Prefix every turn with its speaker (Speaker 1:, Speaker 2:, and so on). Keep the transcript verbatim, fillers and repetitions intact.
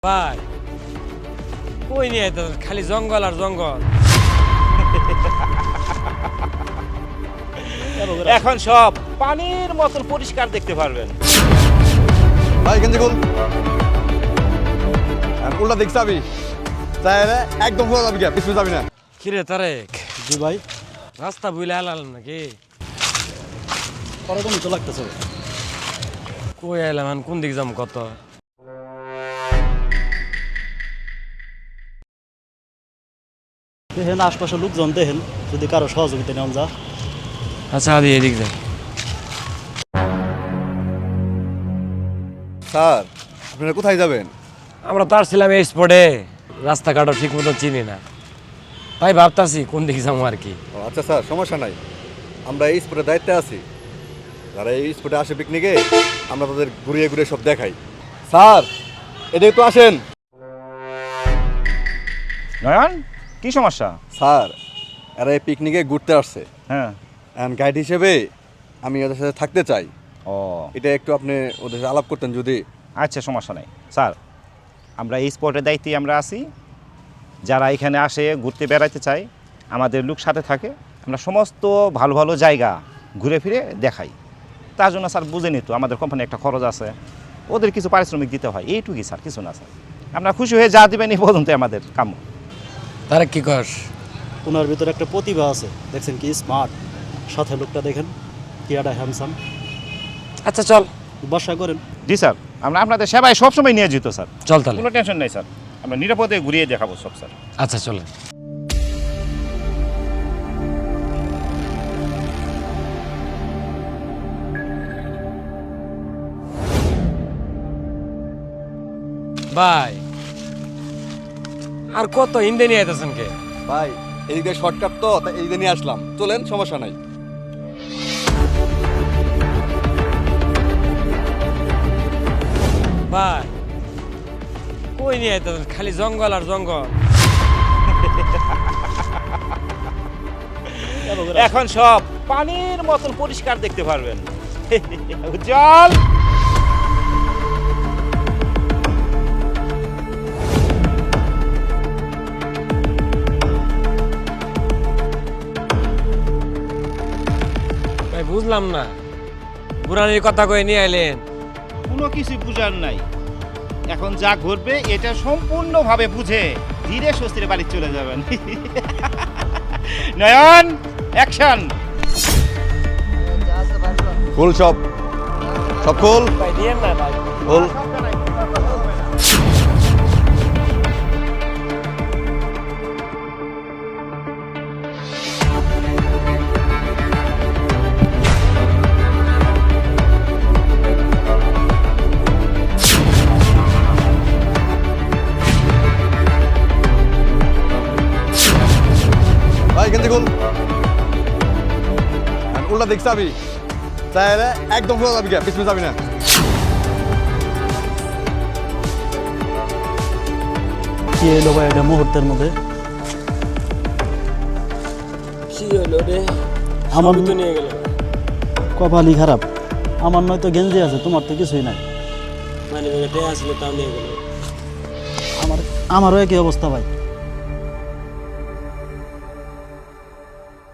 Speaker 1: ভাই কই নিয়ে তো খালি জঙ্গল আর জঙ্গল।
Speaker 2: এখন সব পানির মতন পরিষ্কার দেখতে পারবেন।
Speaker 3: ভাই গেঞ্জি খুল। আর উল্টা দেখছ আমি তাহলে একদম খোলা যাবি পিছু যাবি না।
Speaker 1: কিরে তারেক?
Speaker 4: জি ভাই,
Speaker 1: রাস্তা বুইলে আলাম নাকি?
Speaker 4: ওরকমই তো লাগতেছে।
Speaker 1: কই আইলাম এখন কোন দিক যাম কত?
Speaker 4: দেখেন আশপাশের লোকজন দেখেন, যদি কারো সহযোগিতা নেওয়া যা।
Speaker 1: আচ্ছা আদি এদিক যাই।
Speaker 3: স্যার আপনারা কোথায় যাবেন?
Speaker 1: আমরা তার ছিলাম এই স্পটে, রাস্তাঘাটও ঠিক মতো চিনি না, তাই ভাবতাছি কোন দিকে যাবো আর কি।
Speaker 3: ও আচ্ছা স্যার, সমস্যা নাই, আমরা এই স্পটের দায়িত্বে আছি। যারা এই স্পটে আসে পিকনিকে আমরা তাদের ঘুরিয়ে ঘুরিয়ে সব দেখাই। স্যার এদিকে তো আসেন।
Speaker 2: নয়ন, কি সমস্যা?
Speaker 3: স্যার এরা এই পিকনিকে ঘুরতে আসছে,
Speaker 2: হ্যাঁ।
Speaker 3: অ্যান্ড গাইড হিসেবে আমি ওদের সাথে থাকতে চাই।
Speaker 2: ও
Speaker 3: এটা একটু আপনি ওদের সাথে আলাপ করতেন যদি।
Speaker 2: আচ্ছা, সমস্যা নাই স্যার, আমরা এই স্পটের দায়িত্বে আমরা আছি। যারা এখানে আসে ঘুরতে বেড়াতে চায়, আমাদের লোক সাথে থাকে, আমরা সমস্ত ভালো ভালো জায়গা ঘুরে ফিরে দেখাই। তার জন্য স্যার বুঝে নিত আমাদের কোম্পানি একটা খরচ আছে, ওদের কিছু পারিশ্রমিক দিতে হয়, এইটুকুই স্যার, কিছু না স্যার। আমরা খুশি হয়ে যা দেবেন এই পর্যন্ত আমাদের কাম্য।
Speaker 1: তারেক কি কর?
Speaker 4: ওনার ভিতরে একটা প্রতিভা আছে, দেখছেন কি স্মার্ট। সাথে লোকটা দেখেন কি একটা হ্যান্ডসাম।
Speaker 1: আচ্ছা চল
Speaker 4: বাসা করেন।
Speaker 2: জি স্যার, আমরা আপনাদের সেবায় সবসময় নিয়ে যেত স্যার,
Speaker 1: চল তাহলে।
Speaker 2: কোনো টেনশন নেই স্যার, আমরা নিরাপদে ঘুরিয়ে দেখাবো সব স্যার।
Speaker 1: আচ্ছা চলে। ভাই আর কত হিন্দে নিয়ে আইতেছেন কে?
Speaker 3: ভাই এদিক দিয়ে শর্টকাট তো, তাই এই নিয়ে আসলাম, চলেন সমস্যা নাই।
Speaker 1: ভাই কই নিয়ে আইতেছেন খালি জঙ্গল আর জঙ্গল।
Speaker 2: এখন সব পানির মতন পরিষ্কার দেখতে পারবেন। জল
Speaker 1: ভাই বুঝলাম না, বুড়ানির কথা কয়ে নিয়ে আইলেন।
Speaker 2: কোনো কিছু বুঝার নাই, এখন যা ঘটবে এটা সম্পূর্ণভাবে বুঝে ধীরে স্বস্তির বাড়ি চলে যাবেন। নয়ন, অ্যাকশন।
Speaker 3: ফুল সব সব ফুল
Speaker 1: ভাই দিয়েন না ভাই।
Speaker 3: ফুল। ভাই গেঞ্জি খুল। আর উল্টা দেখছ আমি তাহলে একদম খোলা যাবি পিছু যাবি না।
Speaker 4: কি এলো ভাই এটা মুহূর্তের মধ্যে?
Speaker 1: কি হলো রে?
Speaker 4: আমার
Speaker 1: তো নিয়ে গেল।
Speaker 4: কপালই খারাপ। আমার নয়তো গেঞ্জি আছে, তোমার তো কিছুই নাই।
Speaker 1: মানে আসলে তাও নিয়ে গেল।
Speaker 4: আমার আমারও একই অবস্থা ভাই।